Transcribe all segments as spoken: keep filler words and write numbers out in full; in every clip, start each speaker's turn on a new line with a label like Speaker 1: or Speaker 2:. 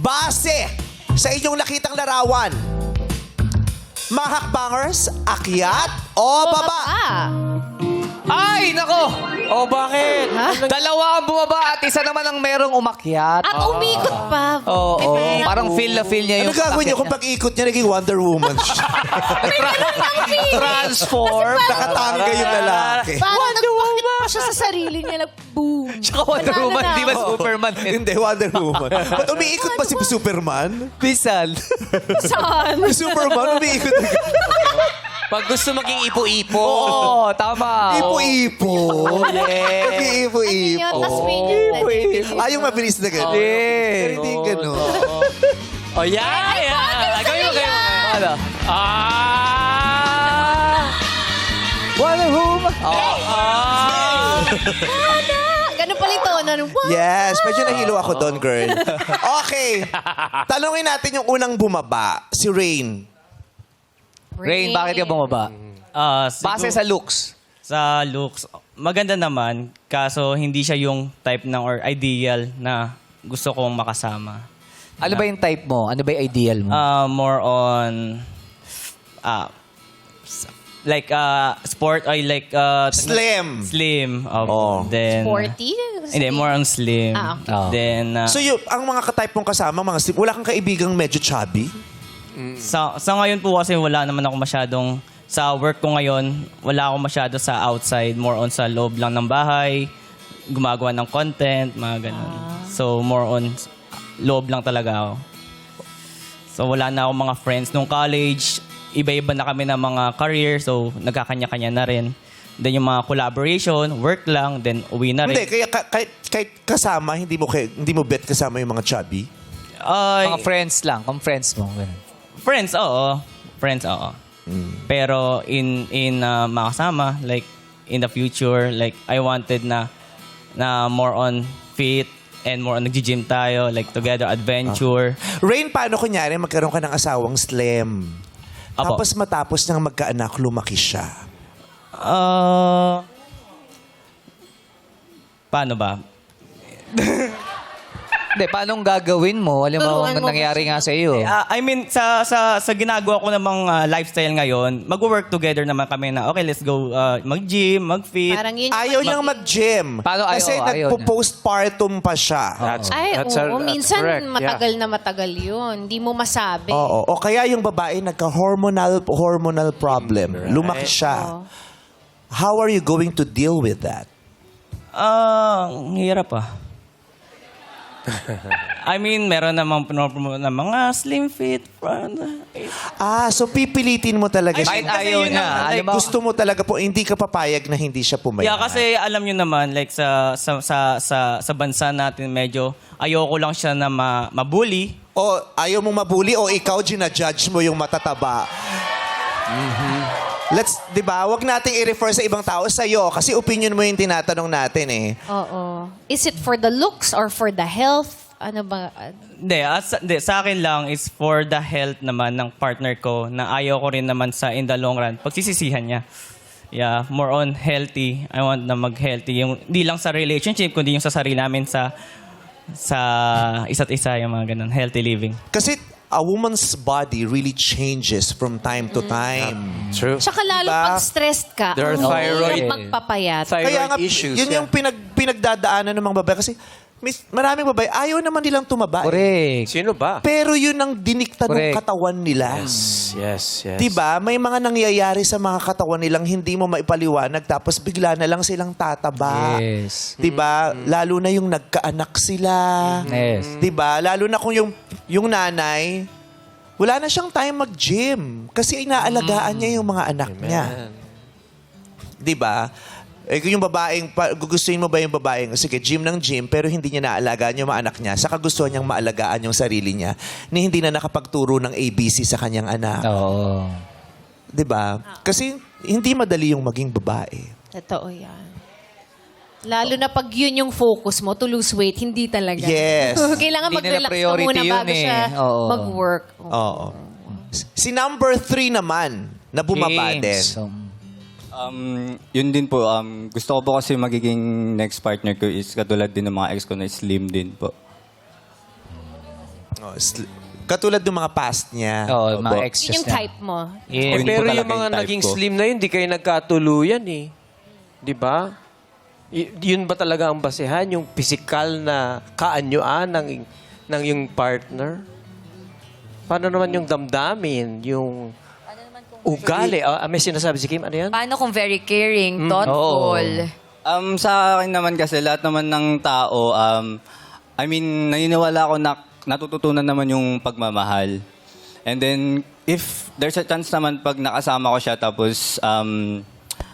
Speaker 1: Base sa inyong nakitang larawan, mga hakbangers, akyat o baba?
Speaker 2: Ah.
Speaker 3: Ay, nako!
Speaker 4: Oh, bakit?
Speaker 3: Dalawa ang bumaba at isa naman ang merong umakyat.
Speaker 2: At umikot pa.
Speaker 3: Oo, oo. Parang feel na feel niya
Speaker 1: Ano
Speaker 3: yung
Speaker 1: gagawin niyo kung pag-ikot niya naging Wonder Woman siya?
Speaker 3: transform.
Speaker 1: Nakatangga yung lalaki.
Speaker 2: Parang nagpakit pa siya sa sarili niya. Nag-boom.
Speaker 3: Tsaka Wonder
Speaker 2: Nanalo
Speaker 3: Woman,
Speaker 2: na
Speaker 3: di ba
Speaker 2: ako.
Speaker 3: Superman?
Speaker 1: Hindi, Wonder Woman. Ba't umiikot pa si Superman?
Speaker 3: Pisan.
Speaker 2: Saan?
Speaker 1: Si Superman umiikot.
Speaker 4: Pag gusto maging ipo-ipo.
Speaker 3: Oo, tama.
Speaker 1: Ipo-ipo.
Speaker 3: Yeah.
Speaker 1: Nag-iipo-ipo.
Speaker 2: Yun, tas may yun.
Speaker 1: Ah, yung mabilis na gano'n.
Speaker 3: Yeah.
Speaker 1: Pero hindi gano'n.
Speaker 4: Oh, yeah, yeah. Gawin mo, gawin mo.
Speaker 3: Ano?
Speaker 4: Ah!
Speaker 3: Wonder Woman.
Speaker 4: Ah!
Speaker 2: Ana! Ganun pala yung tono. Wow.
Speaker 1: Yes, medyo nahilo ako doon, girl. Okay. Tanungin natin yung unang bumaba, si Rain.
Speaker 3: Rain, bakit ka bumaba?
Speaker 5: Ah,
Speaker 3: Base
Speaker 5: siguro-
Speaker 3: sa looks.
Speaker 5: sa looks, maganda naman. Kaso hindi siya yung type ng or ideal na gusto kong makasama.
Speaker 3: Ano ba yung type mo? Ano ba yung ideal mo?
Speaker 5: Ah, more on ah s- like uh sport ay like uh
Speaker 1: Slim.
Speaker 5: slim. Oh,
Speaker 1: Oh.
Speaker 5: Then
Speaker 2: Sporty?
Speaker 5: Hindi, more on slim.
Speaker 2: Ah, okay.
Speaker 3: Oh.
Speaker 5: Then uh,
Speaker 1: So yung, ang mga ka-type mong kasama, mga slim, wala kang kaibigang medyo chubby?
Speaker 5: sa sa ngayon po kasi wala naman ako masyadong sa work ko ngayon, wala ako masyado sa outside, more on sa loob lang ng bahay, gumagawa ng content, mga ganun. So more on loob lang talaga ako. So wala na akong mga friends nung college, iba-iba na kami ng mga career, so nagkakanya-kanya na rin. Then yung mga collaboration, work lang, then uwi na rin.
Speaker 1: Hindi, kaya ka- kahit, kahit kasama, hindi mo, kay- hindi mo bet kasama yung mga chubby?
Speaker 5: Ay,
Speaker 3: Mga friends lang. Kung friends mo. Ganun.
Speaker 5: friends, oo. Friends, oo. Pero in in uh, makasama, like in the future, like I wanted na na more on fit and more on nagji-gym tayo, like together adventure.
Speaker 1: Rain, paano kunyari magkaroon ka ng asawang slim?
Speaker 5: Apo.
Speaker 1: Tapos matapos nang magkaanak, lumaki siya.
Speaker 5: Uh, paano ba?
Speaker 3: Hindi, paano gagawin mo? Alam mo,
Speaker 2: Turuan
Speaker 3: ang
Speaker 2: mo
Speaker 3: nangyari nga sa iyo.
Speaker 5: Uh, I mean, sa sa sa ginagawa ko namang uh, lifestyle ngayon, mag-work together naman kami na, okay, let's go uh, mag-gym, mag-fit.
Speaker 2: Parang yun yung-
Speaker 1: Ayaw niyang mag-gym.
Speaker 3: Paano ayaw?
Speaker 1: Kasi
Speaker 3: Ayaw niya.
Speaker 1: nagpo-postpartum pa siya.
Speaker 4: That's,
Speaker 2: Ay,
Speaker 4: that's,
Speaker 2: oo.
Speaker 4: a- that's
Speaker 2: minsan
Speaker 4: correct.
Speaker 2: matagal na matagal yun. Hindi mo masabi.
Speaker 1: Oo. O kaya yung babae nagka-hormonal hormonal problem. Lumaki siya.
Speaker 2: Oo.
Speaker 1: How are you going to deal with that?
Speaker 5: Ah, ang hirap ah. I mean, meron namang pinopromote na mga slim fit.
Speaker 1: Ah, so pipilitin mo talaga
Speaker 5: Ay,
Speaker 1: siya.
Speaker 3: Kahit
Speaker 5: kasi
Speaker 3: ayaw
Speaker 5: yun
Speaker 3: niya.
Speaker 5: ang-
Speaker 3: Alam
Speaker 5: like,
Speaker 3: mo,
Speaker 1: Gusto mo talaga po, hindi ka papayag na hindi siya pumayag.
Speaker 5: Yeah, kasi alam nyo naman, like sa sa sa sa, sa bansa natin, medyo ayoko lang siya na ma, mabully.
Speaker 1: O ayaw mong mabuli o ikaw ginajudge mo yung matataba. Let's, di ba? Huwag nating i-refer sa ibang tao sa'yo kasi opinion mo yung tinatanong natin eh.
Speaker 2: Oo. Is it for the looks or for the health? Ano ba?
Speaker 5: Hindi, as, hindi, sa akin lang is for the health naman ng partner ko na ayaw ko rin naman sa in the long run. Pagsisisihan niya. Yeah, more on healthy. I want na mag-healthy. Yung, hindi lang sa relationship, kundi yung sa sarili namin sa sa isa't isa, yung mga ganun. Healthy living.
Speaker 1: Kasi a woman's body really changes from time to time.
Speaker 4: True.
Speaker 2: Tsaka lalo
Speaker 1: Diba?
Speaker 2: pag stressed ka,
Speaker 4: There are
Speaker 2: ang
Speaker 4: thyroid-
Speaker 2: hirap magpapayat.
Speaker 4: Thyroid
Speaker 1: Kaya nga,
Speaker 4: issues.
Speaker 1: yun
Speaker 4: yeah.
Speaker 1: yung pinag, pinagdadaanan ng mga babae. Kasi mis, maraming babae, ayaw naman nilang tumaba. eh.
Speaker 3: correct.
Speaker 4: Sino ba?
Speaker 1: Pero yun ang dinikta ng
Speaker 3: Correct.
Speaker 1: katawan nila.
Speaker 4: Yes, yes.
Speaker 1: Diba? May mga nangyayari sa mga katawan nilang hindi mo maipaliwanag tapos bigla na lang silang tataba.
Speaker 3: Yes.
Speaker 1: Diba? Lalo na yung nagkaanak sila.
Speaker 3: Yes.
Speaker 1: Diba? Lalo na kung yung, yung nanay, wala na siyang time mag-gym kasi inaalagaan niya yung mga anak niya. Diba? Eh, kung yung babaeng, pa- gugustuhin mo ba yung babaeng, sige, gym ng gym, pero hindi niya naalagaan yung mga anak niya, saka gusto niyang maalagaan yung sarili niya, ni hindi na nakapagturo ng A B C sa kanyang anak.
Speaker 3: Oo.
Speaker 1: Diba? Kasi hindi madali yung maging babae.
Speaker 2: Totoo yan. Lalo na pag yun yung focus mo, to lose weight, hindi talaga.
Speaker 1: Yes.
Speaker 2: Kailangan
Speaker 3: Hindi nila
Speaker 2: mag-relax ka
Speaker 3: priority
Speaker 2: muna
Speaker 3: yun
Speaker 2: bago
Speaker 3: eh.
Speaker 2: siya
Speaker 3: Oo.
Speaker 2: mag-work.
Speaker 1: Oo. Si number three naman, na bumaba din.
Speaker 3: James. Um,
Speaker 6: Um, yun din po. Um, gusto ko po kasi magiging next partner ko is katulad din ng mga ex ko na slim din po.
Speaker 1: Oh, sl- katulad ng mga past niya.
Speaker 4: Oo, mga
Speaker 3: Opo.
Speaker 4: exes
Speaker 2: Yun yung
Speaker 4: niya.
Speaker 2: type mo.
Speaker 4: Yeah.
Speaker 7: Eh,
Speaker 6: Hindi
Speaker 7: pero
Speaker 6: ko
Speaker 7: yung
Speaker 6: talaga
Speaker 7: mga
Speaker 6: yung type
Speaker 7: naging
Speaker 6: ko.
Speaker 7: slim na yun, di kayo nagkatuluyan eh. Di ba? Y- yun ba talaga ang basehan? Yung physical na kaanyuan ng, ng yung partner? Paano naman yung damdamin? Yung ugali? Ah, may sinasabi si Kim, ano yan?
Speaker 8: Paano kung very caring, thoughtful?
Speaker 6: Um, sa akin naman kasi, lahat naman ng tao, um, I mean, naniniwala ako na natututunan naman yung pagmamahal. And then, if there's a chance naman pag nakasama ko siya, tapos, um,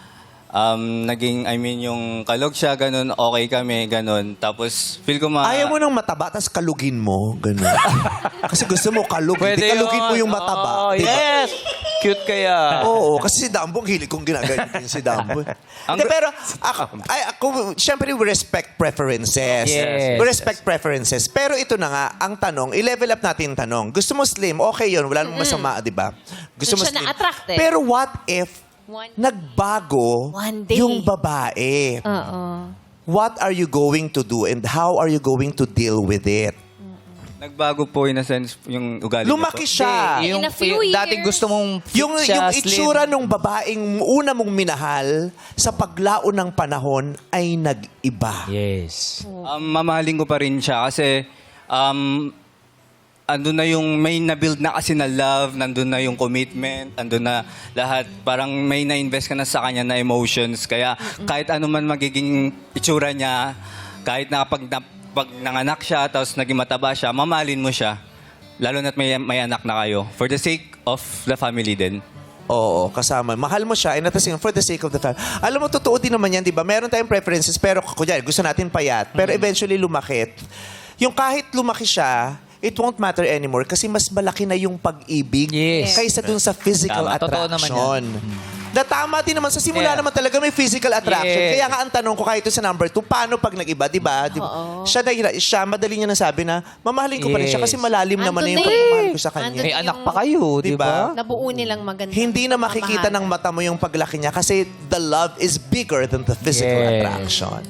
Speaker 6: um, naging, I mean, yung kalog siya, ganun, okay kami, ganun. Tapos, feel ko ma...
Speaker 1: Ayaw mo ng mataba, tapos kalugin mo. Ganun. Kasi gusto mo kalug. Hindi
Speaker 7: Pwede
Speaker 1: kalugin mo
Speaker 7: yun.
Speaker 1: yung mataba.
Speaker 7: Oo,
Speaker 1: Diba?
Speaker 7: yes! Cute kaya.
Speaker 1: Oo, kasi si Dambo, ang hilig kong ginaganyan din si Dambo. Hindi, pero ako, ay, ako, syempre we respect preferences.
Speaker 4: Yes.
Speaker 1: We respect preferences. Pero ito na nga, ang tanong, i-level up natin yung tanong. Gusto mo slim, okay yun, wala namang masama, di ba? Gusto mo
Speaker 2: Doon siya
Speaker 1: slim.
Speaker 2: na-attract eh.
Speaker 1: Pero what if
Speaker 2: One-
Speaker 1: nagbago
Speaker 2: One day.
Speaker 1: yung babae?
Speaker 2: Oo.
Speaker 1: What are you going to do and how are you going to deal with it?
Speaker 6: Nagbago po in a sense yung ugali niya
Speaker 1: Lumaki
Speaker 6: po.
Speaker 1: siya.
Speaker 2: In
Speaker 4: Yung,
Speaker 2: a few
Speaker 4: yung dating
Speaker 2: years.
Speaker 4: gusto mong fit
Speaker 1: Yung,
Speaker 4: siya,
Speaker 1: yung
Speaker 4: slim.
Speaker 1: itsura ng babaeng una mong minahal sa paglaon ng panahon ay nag-iba.
Speaker 4: Yes.
Speaker 6: Um, mamahalin ko pa rin siya kasi um, andun na yung may na-build na kasi na love, nandun na yung commitment, andun na lahat. Parang may na-invest ka na sa kanya na emotions. Kaya kahit ano man magiging itsura niya, kahit na pag, na, pag nanganak siya, tapos naging mataba siya, mamahalin mo siya. Lalo na't may, may anak na kayo. For the sake of the family din.
Speaker 1: Oo, kasama. Mahal mo siya and at the same for the sake of the family. Alam mo, totoo din naman yan, di ba? Meron tayong preferences, pero kunyari, gusto natin payat. Pero eventually lumakit. Yung kahit lumaki siya, it won't matter anymore kasi mas malaki na yung pag-ibig
Speaker 4: Yes.
Speaker 1: kaysa dun sa physical
Speaker 4: Tama. Totoo naman
Speaker 1: attraction. Na tama din naman. Sa simula
Speaker 4: Yeah.
Speaker 1: naman talaga may physical attraction.
Speaker 4: Yes.
Speaker 1: Kaya nga ang tanong ko kahit ito sa number two, paano pag nag-iba, di ba? Di ba? Siya, na, siya, madali niya nasabi na, mamahalin ko pa rin siya
Speaker 4: Yes.
Speaker 1: kasi malalim naman na yung
Speaker 2: Andun na eh.
Speaker 1: pagmamahal ko sa kanya.
Speaker 2: Andun
Speaker 4: May
Speaker 2: yung-
Speaker 4: anak pa kayo, di
Speaker 1: Diba?
Speaker 4: ba?
Speaker 2: Nabuo nilang maganda.
Speaker 1: Hindi na makikita ng
Speaker 2: pamahalan.
Speaker 1: mata mo yung paglaki niya kasi the love is bigger than the physical
Speaker 4: Yes.
Speaker 1: attraction.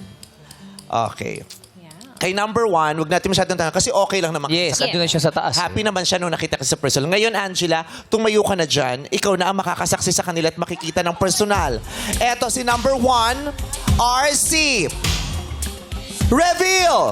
Speaker 1: Okay. Kay number one, wag natin masyadong tanong kasi okay lang naman.
Speaker 4: Yes,
Speaker 1: Sa-
Speaker 4: andun na siya sa taas.
Speaker 1: Happy naman siya nung nakita ka sa personal. Ngayon, Angela, tumayo ka na dyan. Ikaw na ang makakasaksi sa kanila at makikita ng personal. Eto si number one, R C. Reveal!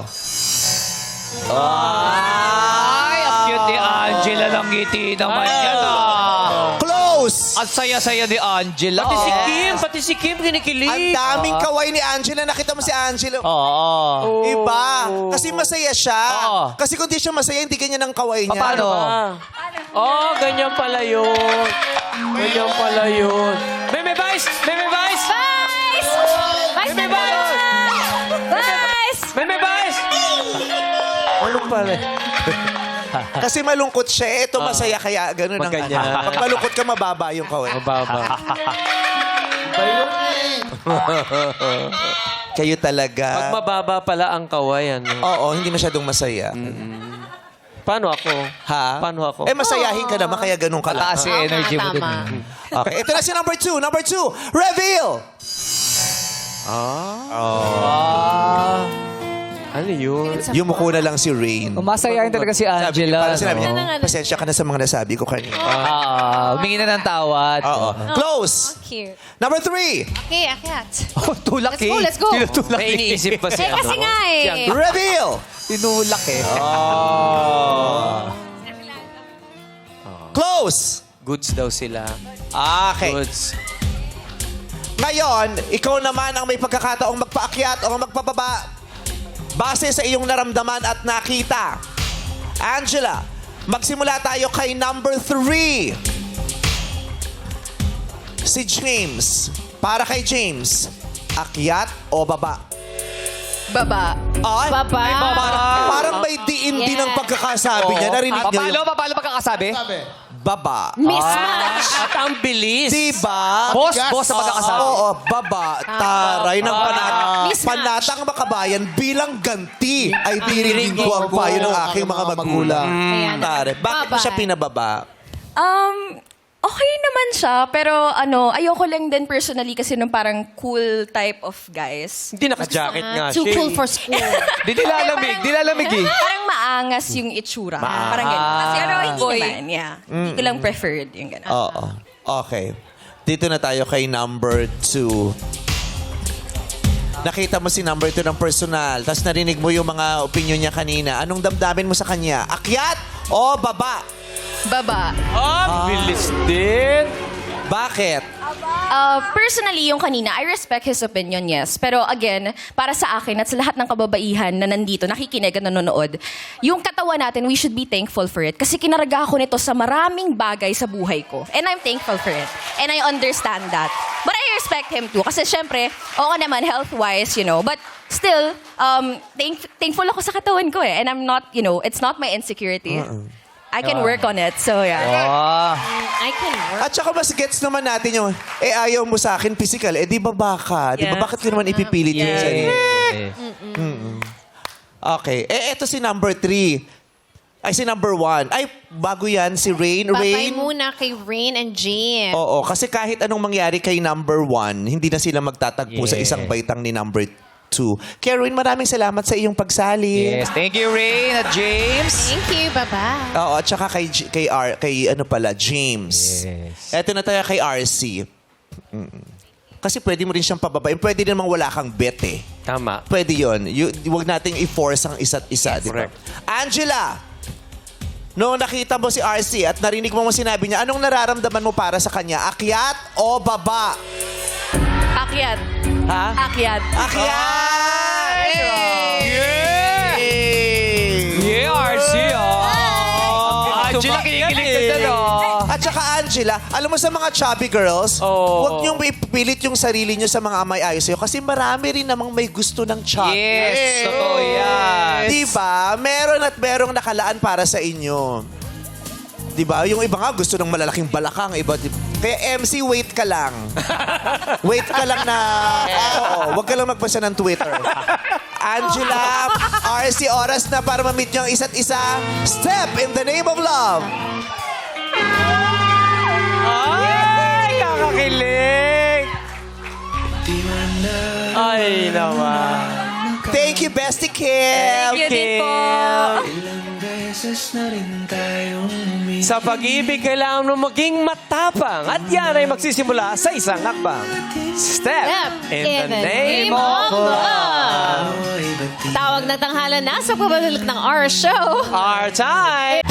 Speaker 4: Ay, ang cute ni Angela ng ngiti naman yan ah.
Speaker 1: Close!
Speaker 4: Ang saya-saya ni Angela.
Speaker 7: Pati si Kim, pati si Kim
Speaker 1: Ang
Speaker 7: kinikilig.
Speaker 1: daming kaway ni Angela. Nakita mo si Angela.
Speaker 4: Oo.
Speaker 1: Iba. Kasi masaya siya.
Speaker 4: Oo.
Speaker 1: Kasi kung di siya masaya, hindi ganyan ang kaway niya.
Speaker 4: Paano?
Speaker 7: Ah. Oh, ganyan pala yun. Ganyan pala yun. Meme Vice! Meme Vice!
Speaker 8: Vice! Vice
Speaker 7: Meme
Speaker 8: na
Speaker 7: Vice!
Speaker 8: Vice!
Speaker 7: Meme Vice! Ano pala?
Speaker 1: Kasi malungkot siya. Eh, ito masaya kaya ganun ang
Speaker 7: Magganyan.
Speaker 1: ano. Pag malungkot ka, mababa yung kaway.
Speaker 7: Mababa.
Speaker 1: Kayo
Speaker 7: Pag
Speaker 1: talaga.
Speaker 7: mababa pala ang kaway, ano?
Speaker 1: Oo, hindi masyadong masaya.
Speaker 7: Paano ako?
Speaker 1: Ha?
Speaker 7: Paano ako?
Speaker 1: Eh, masayahin ka naman, kaya ganun ka lang.
Speaker 4: Mataas yung
Speaker 2: Tama,
Speaker 4: energy mo dun.
Speaker 2: tama.
Speaker 1: Okay, ito na si number two. Number two, reveal!
Speaker 7: Ano yun?
Speaker 1: Yumuko na lang si Rain.
Speaker 4: Masayahin talaga si
Speaker 1: Sabi,
Speaker 4: Angela.
Speaker 1: parang sinabi niya,
Speaker 2: Ano nga, ano?
Speaker 1: pasensya ka na sa mga nasabi ko kanina.
Speaker 4: Ah, humingi na ng tawad.
Speaker 1: Oo. Close!
Speaker 2: Cute.
Speaker 1: Number three,
Speaker 2: Okay, akyat.
Speaker 4: Oh, tulak
Speaker 2: Let's
Speaker 4: eh.
Speaker 2: go, let's go.
Speaker 4: Tinutulak
Speaker 7: May
Speaker 4: eh.
Speaker 7: iniisip pa si
Speaker 8: Eh, kasi
Speaker 7: ano?
Speaker 8: nga eh.
Speaker 1: reveal!
Speaker 4: Tinulak eh.
Speaker 1: Close!
Speaker 7: Goods daw sila.
Speaker 1: Okay.
Speaker 7: Goods.
Speaker 1: Ngayon, ikaw naman ang may pagkakataong magpaakyat o magpababa base sa iyong naramdaman at nakita. Angela, magsimula tayo kay number three. Si James. Para kay James, akyat o baba?
Speaker 8: Baba.
Speaker 1: Ay,
Speaker 2: Baba.
Speaker 1: ay, Parang, parang may diin din ang
Speaker 2: Yeah.
Speaker 1: pagkakasabi niya. Narinig niyo
Speaker 4: Paano,
Speaker 1: yung
Speaker 4: paano pagkakasabi?
Speaker 1: baba.
Speaker 2: Mismatch.
Speaker 7: At ang bilis.
Speaker 1: Diba?
Speaker 4: Boss, boss sa pagkakasabi.
Speaker 1: Oo, baba, taray ng panat
Speaker 2: Mismatch.
Speaker 1: panatang makabayan bilang ganti ay dirinig ko ang payo ng aking mga magulang.
Speaker 2: Ayan.
Speaker 1: Tare, bakit mo
Speaker 2: Baba.
Speaker 1: siya pinababa?
Speaker 8: Um, Okay naman siya, pero ano, ayoko lang din personally kasi ng parang cool type of guys.
Speaker 7: Hindi naka-jacket nga
Speaker 2: Ah, too
Speaker 7: siya.
Speaker 2: cool
Speaker 7: eh.
Speaker 2: for school.
Speaker 3: Di nilalamig, di nilalamig eh.
Speaker 8: Parang maangas yung itsura. Parang gano'n. Kasi ano, hindi naman, yeah. Hindi ko lang preferred yung gano'n.
Speaker 1: Oo. Okay. Dito na tayo kay number two. Nakita mo si number two ng personal, tapos narinig mo yung mga opinion niya kanina. Anong damdamin mo sa kanya? Akyat o baba?
Speaker 8: Baba.
Speaker 7: Ah, bilis din.
Speaker 1: Bakit?
Speaker 8: Uh, personally, yung kanina, I respect his opinion, yes. Pero again, para sa akin at sa lahat ng kababaihan na nandito, nakikinig at nanonood, yung katawan natin, we should be thankful for it. Kasi kinaraga ko nito sa maraming bagay sa buhay ko. And I'm thankful for it. And I understand that. But I respect him too. Kasi syempre, oo naman, health-wise, you know. But still, um, thank thankful ako sa katawan ko eh. And I'm not, you know, it's not my insecurity. I can work on it. So, yeah.
Speaker 3: Ah.
Speaker 2: I can work.
Speaker 1: At saka mas gets naman natin yung, eh ayaw mo sa akin physical, eh di ba baka? Di ba
Speaker 8: Yes.
Speaker 1: bakit ko naman ipipilit yung
Speaker 8: Yes.
Speaker 1: sarili?
Speaker 3: Yes.
Speaker 1: Okay. Eh eto si number three. Ay, si number one. Ay, bago yan, si Rain.
Speaker 2: Babay
Speaker 1: Rain.
Speaker 2: muna kay Rain and James.
Speaker 1: Oo, kasi kahit anong mangyari kay number one, hindi na sila magtatagpo sa
Speaker 3: Yes.
Speaker 1: isang baitang ni number two. Kaya Rain, maraming salamat sa iyong pagsali.
Speaker 3: Yes, thank you, Rain at James.
Speaker 2: Thank you. Bye-bye.
Speaker 1: Oo, at saka kay, J- kay, R, kay ano pala, James.
Speaker 3: Yes.
Speaker 1: Eto na tayo kay R C. Mm. Kasi pwede mo rin siyang pababain. Pwede namang wala kang bet eh.
Speaker 7: Tama.
Speaker 1: Pwede yun. Y- huwag nating i-force ang isa't isa. di ba?
Speaker 7: correct.
Speaker 1: Angela! Noong nakita mo si R C at narinig mo mo sinabi niya, anong nararamdaman mo para sa kanya? Akyat o baba?
Speaker 8: Akyat.
Speaker 1: Ha?
Speaker 8: Akyat.
Speaker 1: Akyat!
Speaker 3: Yeah! Yeah, R C, oh. Angela, kinikilig ka dyan, oh.
Speaker 1: At saka Angela, alam mo sa mga chubby girls,
Speaker 7: Oo.
Speaker 1: huwag niyong ipilit yung sarili niyo sa mga amay ayos sa'yo kasi marami rin namang may gusto ng chubby.
Speaker 3: Yes, totoo yan.
Speaker 1: Diba? Meron at merong nakalaan para sa inyo. Diba? Yung iba nga gusto ng malalaking balakang. Iba, di- Kaya M C, wait ka lang. Wait ka lang na... Oo, wag ka lang magpasa ng Twitter. Angela, R C, oras na para ma-meet niyo ang isa't isa. Step in the name of love.
Speaker 7: Ay, kakakilig. Ay, naman.
Speaker 1: Thank you, Bestie Kim.
Speaker 8: Thank you din po.
Speaker 7: Sa pag-ibig, kailangan mo maging matapang. At yan ay magsisimula sa isang hakbang. Step,
Speaker 2: Step
Speaker 7: in, the name of love.
Speaker 2: Tawag ng tanghalan na sa pagbabalik ng R Show.
Speaker 7: Our time.